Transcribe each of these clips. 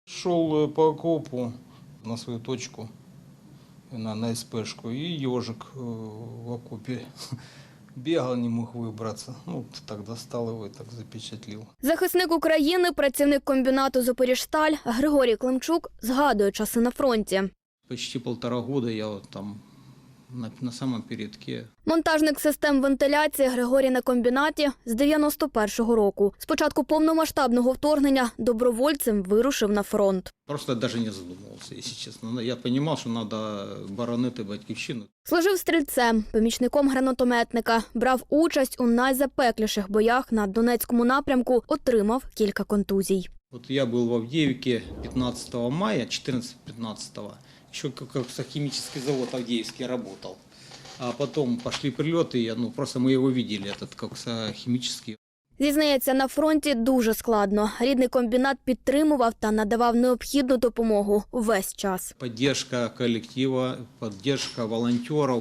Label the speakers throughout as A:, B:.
A: Шел по окопу на свою точку, на СПшку, и ежик в окопе бегал, не мог выбраться. Ну, так достал его и так запечатлил.
B: Захисник України, працівник комбінату «Запоріжсталь» Григорій Климчук згадує часи на фронті.
A: Почти 1,5 года я вот там на самом передке.
B: Монтажник систем вентиляції Григорій на комбінаті з 91-го року. З початку повномасштабного вторгнення добровольцем вирушив на фронт.
A: Просто даже не задумывался, если честно. Я понимал, что надо боронити батьківщину.
B: Служив стрільцем, помічником гранатометника, брав участь у найзапекліших боях на Донецькому напрямку, отримав кілька контузій.
A: Вот я был в Авдеевке 15 мая, 14-15, еще как химический завод Авдеевский работал. А потом пошли прилеты, просто мы его видели, этот химический.
B: Зізнається, на фронті дуже складно. Рідний комбінат підтримував та надавав необхідну допомогу увесь час.
A: Поддержка коллектива, поддержка волонтеров.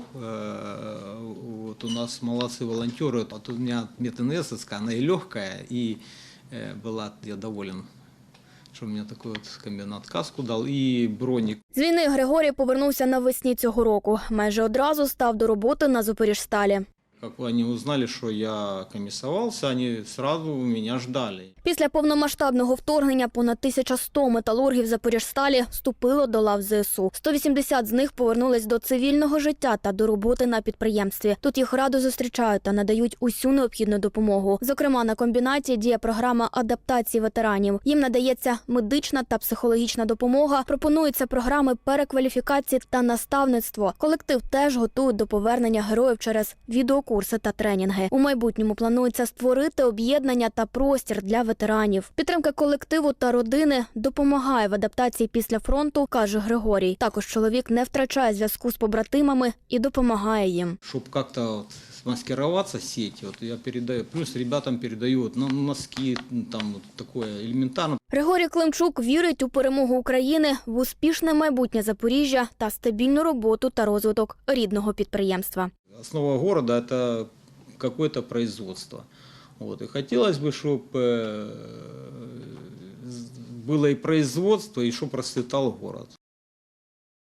A: Вот у нас молодцы волонтеры. Вот у меня мединесовская, она и легкая, и я доволен, що мені такий комбінат каску дав і бронік.
B: З війни Григорій повернувся навесні цього року. Майже одразу став до роботи на «Запоріжсталі».
A: Как они узнали, что я комиссовался, они сразу меня ждали.
B: Після повномасштабного вторгнення понад 1100 металургів «Запоріжсталі» вступило до лав ЗСУ. 180 з них повернулись до цивільного життя та до роботи на підприємстві. Тут їх радо зустрічають та надають усю необхідну допомогу. Зокрема, на комбінаті діє програма адаптації ветеранів. Їм надається медична та психологічна допомога, пропонуються програми перекваліфікації та наставництво. Колектив теж готують до повернення героїв через відеокурси та тренінги. У майбутньому планується створити об'єднання та простір для ветеранів. Підтримка колективу та родини допомагає в адаптації після фронту, каже Григорій. Також чоловік не втрачає зв'язку з побратимами і допомагає їм.
A: Щоб як-то маскироваться в сети, я передаю, плюс ребятам передаю носки, там такое елементарно.
B: Григорій Климчук вірить у перемогу України, в успішне майбутнє Запоріжжя та стабільну роботу та розвиток рідного підприємства.
A: Основа города – это какое-то производство. И хотелось бы, чтобы было и производство, и чтобы процветал город.